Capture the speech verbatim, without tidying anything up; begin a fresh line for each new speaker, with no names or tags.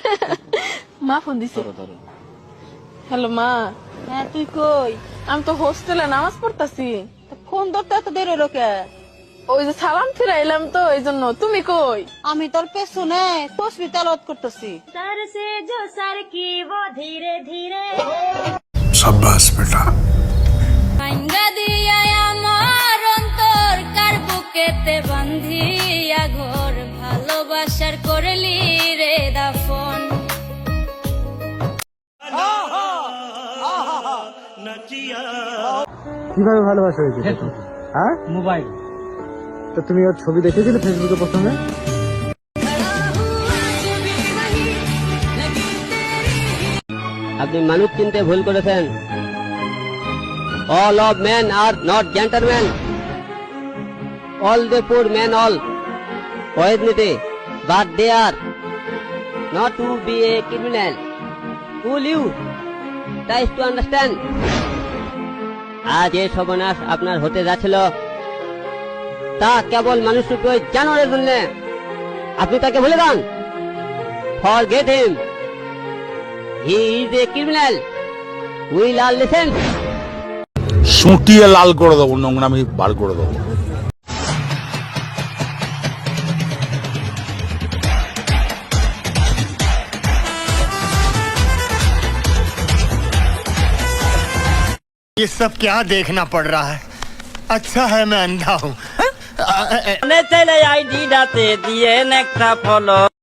মা ফোন দিছে। হ্যালো মা।
হ্যাঁ তুই কই?
আমি তো হোস্টেলে নামাজ পড়তাছি।
ফোন ধরতে এত দেরি হলো কে?
ওই যে সালাম ফিরাইলাম তো এই জন্য। তুমি কই?
আমি তোর পেছনে তসবি তেলাওয়াত করতেছি।
शाबाश बेटा।
ভাঙ্গা দিয়া আমার অন্তর কার বুকেতে বান্ধিয়া ঘর ভালোবাসার করলি রে দাফন।
কিভাবে ভালোবাসা হয়েছে? হ্যাঁ, মোবাইল। তো তুমি ওর ছবি দেখেছিলে ফেসবুকে প্রথমে?
আপনি মানুষ চিনতে ভুল করেছেন। All of men are not gentleman, all the poor men all ওয়েজনিটি, but they are not to be a criminal. Will you try to understand? আজ এই সর্বনাশ আপনার হতে যাচ্ছিল তা কেবল মানুষরূপী ওই জানোয়ারের জন্য। আপনি তাকে ভুলে যান। Forget him, he is a criminal. Will আর লিসেন।
সুটিয়ে লাল করে দেবো, নোংরামি বার করে দেবো।
ये सब क्या देखना पड़ रहा है? अच्छा है मैं अंधा हूँ।
চলে আইডি ডাতে দিয়ে একটা ফলো